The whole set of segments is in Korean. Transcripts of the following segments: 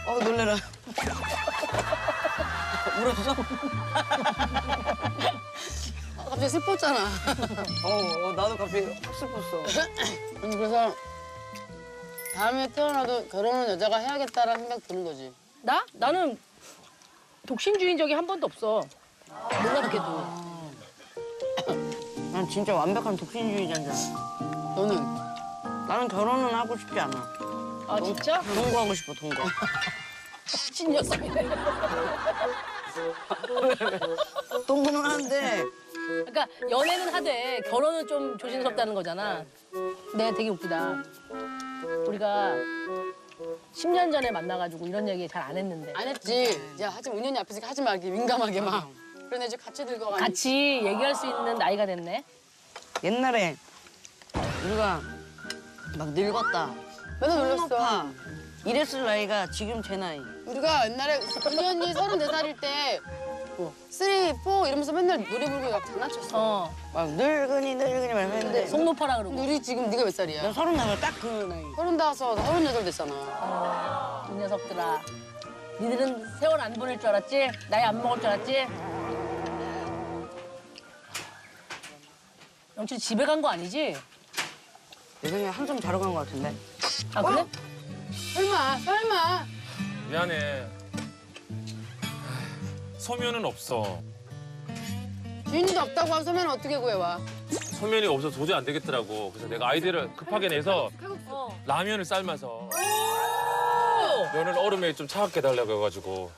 놀래라. 울었어? 갑자기 슬펐잖아. 나도 갑자기 확 슬펐어. 그래서 다음에 태어나도 결혼은 여자가 해야겠다라는 생각 드는 거지. 나? 나는 독신주의인 적이 한 번도 없어. 놀랍게도. 난 진짜 완벽한 독신주의자잖아. 너는? 나는 결혼은 하고 싶지 않아. 아 진짜? 동거하고 싶어, 동거. 신녀성이네. 동거는 하는데 그러니까 연애는 하되 결혼은 좀 조심스럽다는 거잖아. 근데 되게 웃기다. 우리가 10년 전에 만나가지고 이런 얘기 잘 안 했는데 안 했지. 야, 하지 마. 은연이 앞에서 하지 마. 이렇게 민감하게 막. 그런 애들 같이 늙어가. 같이 얘기할 수 있는 나이가 됐네. 옛날에 우리가 막 늙었다. 맨날 놀렸어. 높아. 이랬을 나이가 지금 제 나이. 우리가 옛날에 은연이 34살일 때 뭐, 3, 4 이러면서 맨날 노래 부르고 막 장난쳤어. 어. 막 늙은이 말만 했는데 속 높아라 그러고. 우리 지금 네가 몇 살이야? 나 34살 딱 그 나이. 35, 38 됐잖아. 이 녀석들아. 니들은 세월 안 보낼 줄 알았지? 나이 안 먹을 줄 알았지? 영철이 집에 간 거 아니지? 내 생각에 한숨 자러 간 거 같은데. 아 그래? 설마. 미안해. 소면은 없어. 주인도 없다고 한 소면 어떻게 구해와? 소면이 없어서 도저히 안 되겠더라고. 그래서 내가 아이디어를 급하게 내서 어. 라면을 삶아서 면을 얼음에 좀 차갑게 달라고 해가지고.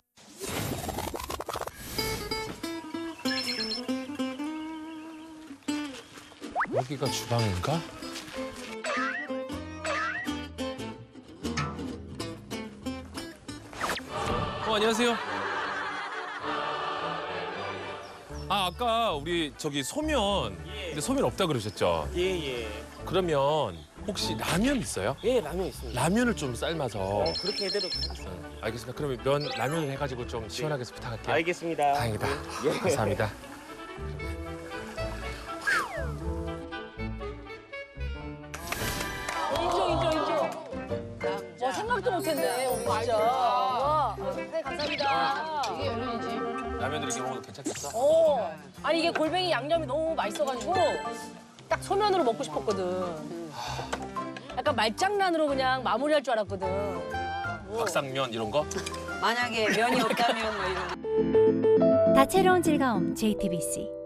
여기가 주방인가? 안녕하세요. 아까 우리 저기 소면, 근데 소면 없다 그러셨죠? 예. 그러면 혹시 라면 있어요? 예, 라면 있습니다. 라면을 좀 삶아서. 그렇게 해드리도록 하겠습니다. 알겠습니다. 그러면 라면을 해가지고 좀 시원하게 해서 부탁할게요. 알겠습니다. 다행이다. 예. 감사합니다. 인정. 와 생각도 못했네. 우리 진짜. 와. 네 감사합니다. 이게 연륜이지. 라면을 이렇게 먹어도 괜찮겠어? 어. 아니 이게 골뱅이 양념이 너무 맛있어가지고 딱 소면으로 먹고 싶었거든. 약간 말장난으로 그냥 마무리할 줄 알았거든. 박상면 이런 거? 만약에 면이 없다면 뭐 이런. 다채로운 즐거움 JTBC